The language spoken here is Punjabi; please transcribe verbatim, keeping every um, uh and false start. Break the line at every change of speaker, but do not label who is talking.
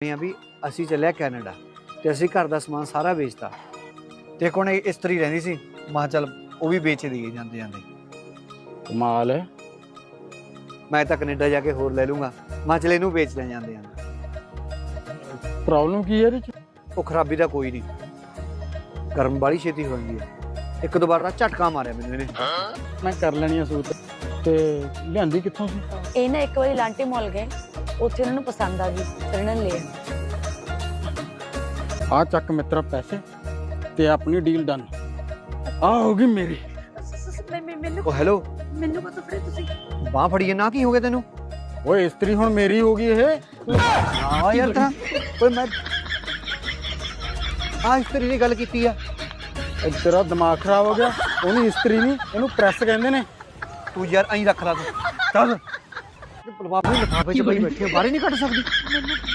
ਵੀ ਅਸੀਂ ਚੱਲਿਆ ਕੈਨੇਡਾ ਤੇ ਅਸੀਂ ਘਰ ਦਾ ਸਮਾਨ ਸਾਰਾ ਵੇਚਤਾ ਤੇ ਕੋਣ ਇਸਤਰੀ ਰਹਿੰਦੀ ਸੀ। ਮਾਂ ਚੱਲ ਉਹ ਵੀ ਵੇਚ ਦੀ ਜਾਂਦੇ ਜਾਂਦੇ।
ਕਮਾਲ ਹੈ।
ਮੈਂ ਤਾਂ ਕੈਨੇਡਾ ਜਾ ਕੇ ਹੋਰ ਲੈ ਲੂੰਗਾ। ਮਾਂ ਚਲ ਇਹਨੂੰ ਵੇਚ ਲੈ ਜਾਂਦੇ ਜਾਂਦੇ।
ਪ੍ਰੋਬਲਮ ਕੀ ਹੈ ਇਹਦੇ ਚ?
ਉਹ ਖਰਾਬੀ ਦਾ ਕੋਈ ਨਹੀਂ, ਗਰਮ ਵਾਲੀ ਛੇਤੀ ਹੋ ਜਾਂਦੀ ਹੈ। ਇੱਕ ਦੋ ਵਾਰ ਦਾ ਝਟਕਾ ਮਾਰਿਆ ਮੈਨੂੰ ਇਹਨੇ।
ਮੈਂ ਕਰ ਲੈਣੀ ਆ ਸੂਟ। ਤੇ ਲਿਆਂਦੀ ਕਿੱਥੋਂ ਸੀ?
ਇਹ ਨਾ ਇੱਕ ਵਾਰੀ ਲਾਂਟੇ ਮਾਲ ਗਏ, ਉੱਥੇ ਉਹਨਾਂ ਨੂੰ ਪਸੰਦ ਆ ਗਈ, ਫਿਰ ਇਹਨਾਂ ਨੇ ਲੈ ਆਏ।
ਆ ਚੱਕ ਮਿੱਤਰਾ ਪੈਸੇ ਤੇ ਆਪਣੀ ਡੀਲ ਡਨ। ਆ ਹੋ ਗਈ ਮੇਰੀ।
ਮੈਨੂੰ
ਉਹ ਹੈਲੋ,
ਮੈਨੂੰ ਕਦੋਂ ਫੜੇ ਤੁਸੀਂ?
ਬਾਹ ਫੜੀਏ ਨਾ, ਕੀ ਹੋ ਗਿਆ ਤੈਨੂੰ?
ਓਏ ਇਸਤਰੀ ਹੁਣ ਮੇਰੀ ਹੋ ਗਈ ਇਹ।
ਹਾਂ ਯਾਰ ਤਾਂ ਓਏ ਮੈਂ ਆ ਇਸਤਰੀ ਦੀ ਗੱਲ ਕੀਤੀ ਆ।
ਇਹ ਤੇਰਾ ਦਿਮਾਗ ਖਰਾਬ ਹੋ ਗਿਆ। ਉਹਨੂੰ ਇਸਤਰੀ ਨਹੀਂ, ਇਹਨੂੰ ਪ੍ਰੈਸ ਕਹਿੰਦੇ ਨੇ।
ਤੂੰ ਯਾਰ ਐਂ ਰੱਖ ਲਾ ਤੂੰ। ਚੱਲ ਲਿਫਾਫੇ ਲਿਫਾਫੇ ਚ ਬਈ ਬੈਠੇ ਬਾਹਰ ਹੀ ਨਹੀਂ ਕੱਢ ਸਕਦੀ।